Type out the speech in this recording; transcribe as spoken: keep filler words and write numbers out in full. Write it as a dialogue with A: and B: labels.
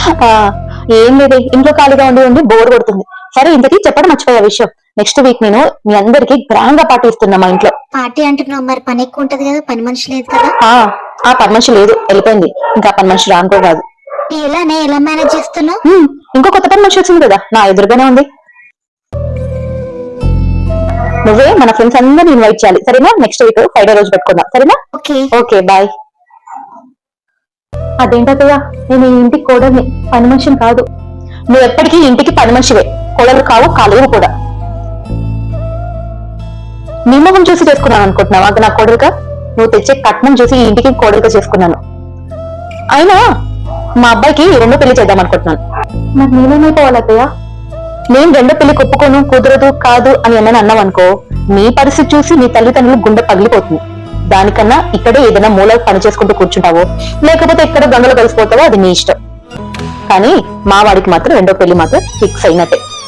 A: ఏం లేదు, ఇంట్లో ఖాళీగా ఉండి ఉండి బోర్ కొడుతుంది. సరే, ఇంతకీ చెప్పడం మర్చిపోయే విషయం, నెక్స్ట్ వీక్ నేను మీ అందరికి గ్రాండ్ గా పార్టీ ఇస్తున్నా మా ఇంట్లో.
B: పార్టీ అంటున్నావు, మరి పని ఎక్కువ ఉంటది కదా, పని మనిషి లేదు కదా?
A: ఆ పని మనిషి లేదు, వెళ్ళిపోయింది. ఇంకా పని మనిషి రానుకో కాదు.
B: ఎలానే ఎలా మేనేజ్ చేస్తున్నావు?
A: ఇంకో కొత్త పని మనిషి వచ్చింది కదా, నా ఎదురుగానే ఉంది. నువ్వే మన ఫ్రెండ్స్ అందరిని ఇన్వైట్ చేయాలి, సరేనా? నెక్స్ట్ వీక్ ఫ్రైడే రోజు పెట్టుకుందాం, సరేనా?
B: Okay
A: okay bye. అదేంటయ్య, నేను ఈ ఇంటికి కోడల్ని, పని మనిషిని కాదు. నువ్వు ఎప్పటికీ ఇంటికి పని మనిషివే, కోడలు కావు, కాలేవు కూడా. నీ మొహం చూసి చేసుకున్నాను అనుకుంటున్నావా అది నా కోడలుగా? నువ్వు తెచ్చే కట్నం చూసి ఈ ఇంటికి కోడలుగా చేసుకున్నాను. అయినా మా అబ్బాయికి రెండో పెళ్లి చేద్దాం అనుకుంటున్నాను. నాకు నేనేమైపోవాలి అత్తయ్య? నేను రెండో పెళ్లికి ఒప్పుకోను, కుదరదు, కాదు అని ఏమైనా అన్నావు అనుకో, నీ పరిస్థితి చూసి నీ తల్లిదండ్రులు గుండె పగిలిపోతుంది. దానికన్నా ఇక్కడే ఏదైనా మూల పని చేసుకుంటూ కూర్చుంటావో, లేకపోతే ఇక్కడ గంగలో కలిసిపోతావో అది నీ ఇష్టం. కానీ మా వాడికి మాత్రం రెండో పెళ్లి మాత్రం ఫిక్స్ అయినట్టే.